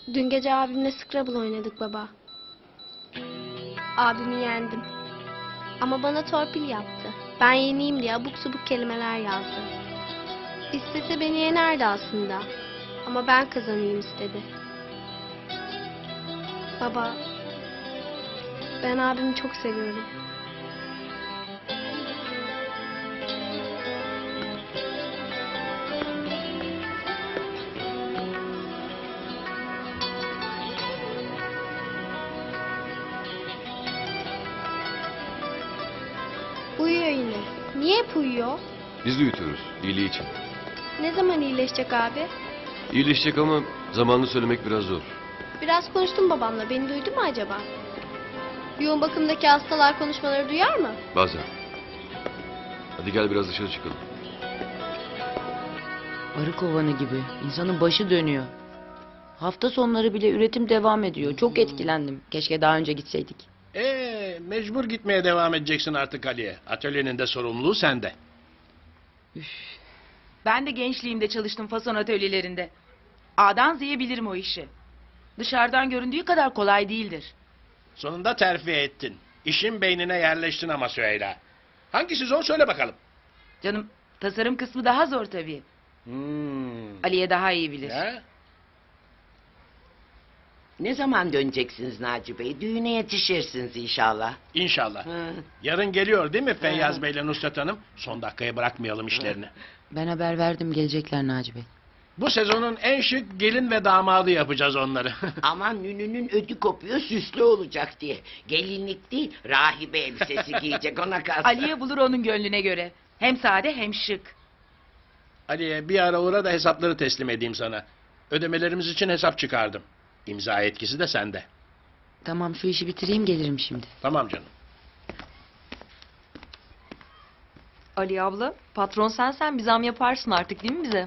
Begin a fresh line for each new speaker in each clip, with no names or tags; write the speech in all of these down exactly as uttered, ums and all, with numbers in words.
Dün gece abimle Scrabble oynadık baba. Abimi yendim. Ama bana torpil yaptı. Ben yeneyim diye abuk subuk kelimeler yazdı. İstese beni yenerdi aslında. Ama ben kazanayım istedi. Baba, ben abimi çok seviyorum. Uyuyor yine. Niye hep uyuyor?
Biz de uyutuyoruz, iyiliği için.
Ne zaman iyileşecek abi?
İyileşecek ama zamanını söylemek biraz zor.
Biraz konuştum babamla. Beni duydu mu acaba? Yoğun bakımdaki hastalar konuşmaları duyar mı?
Bazen. Hadi gel biraz dışarı çıkalım.
Arı kovanı gibi. İnsanın başı dönüyor. Hafta sonları bile üretim devam ediyor. Çok etkilendim. Keşke daha önce gitseydik.
Ee, mecbur gitmeye devam edeceksin artık Ali'ye. Atölyenin de sorumluluğu sende.
Ben de gençliğimde çalıştım fason atölyelerinde. A'dan Z'ye bilirim o işi. Dışarıdan göründüğü kadar kolay değildir.
Sonunda terfi ettin. İşin beynine yerleştin ama Süheyla. Hangisi zor söyle bakalım.
Canım, tasarım kısmı daha zor tabii.
Hmm.
Aliye daha iyi bilir.
Ya?
Ne zaman döneceksiniz Naci Bey? Düğüne yetişirsiniz inşallah.
İnşallah.
Hı.
Yarın geliyor değil mi Feyyaz
Hı.
Bey'le Nusret Hanım? Son dakikaya bırakmayalım işlerini.
Ben haber verdim, gelecekler Naci Bey.
Bu sezonun en şık gelin ve damadı yapacağız onları.
Aman Nünü'nün ödü kopuyor süslü olacak diye. Gelinlik değil rahibe elbisesi giyecek ona kalsın.
Aliye bulur onun gönlüne göre. Hem sade hem şık.
Ali'ye bir ara uğra da hesapları teslim edeyim sana. Ödemelerimiz için hesap çıkardım. İmza etkisi de sende.
Tamam, şu işi bitireyim, gelirim şimdi.
Tamam canım.
Ali abla, patron sensen bir zam yaparsın artık değil mi bize?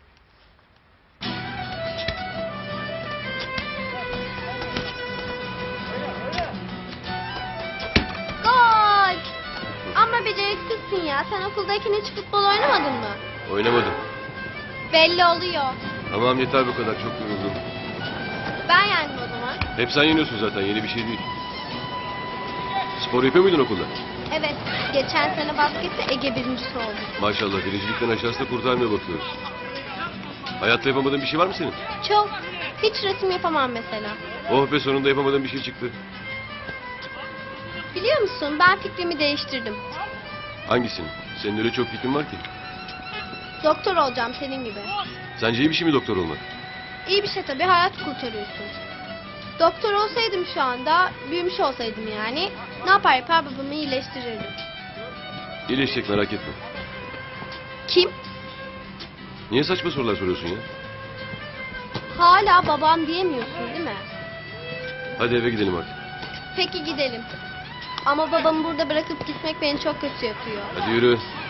Gol! Ama beceriksizsin ya. Sen okuldayken hiç futbol oynamadın mı?
Oynamadım.
Belli oluyor.
Tamam yeter bu kadar, çok yoruldum.
Ben yendim o zaman.
Hep sen yeniyorsun zaten, yeni bir şey değil. Spor yapıyor muydun okulda?
Evet. Geçen sene baskette Ege birincisi oldu.
Maşallah, birincilikten aşağısı da kurtarmaya bakıyoruz. Hayatta yapamadığın bir şey var mı senin?
Çok. Hiç resim yapamam mesela.
Oh be, sonunda yapamadığın bir şey çıktı.
Biliyor musun, ben fikrimi değiştirdim.
Hangisini? Senin öyle çok fikrin var ki.
Doktor olacağım senin gibi.
Sence iyi bir şey mi doktor olmak?
İyi bir şey tabii, hayat kurtarıyorsun. Doktor olsaydım şu anda, büyümüş olsaydım yani, ne yapar yapar babamı iyileştirirdim.
İyileşecek, merak etme.
Kim?
Niye saçma sorular soruyorsun ya?
Hala babam diyemiyorsun değil mi?
Hadi eve gidelim artık.
Peki gidelim. Ama babamı burada bırakıp gitmek beni çok kötü yapıyor.
Hadi yürü.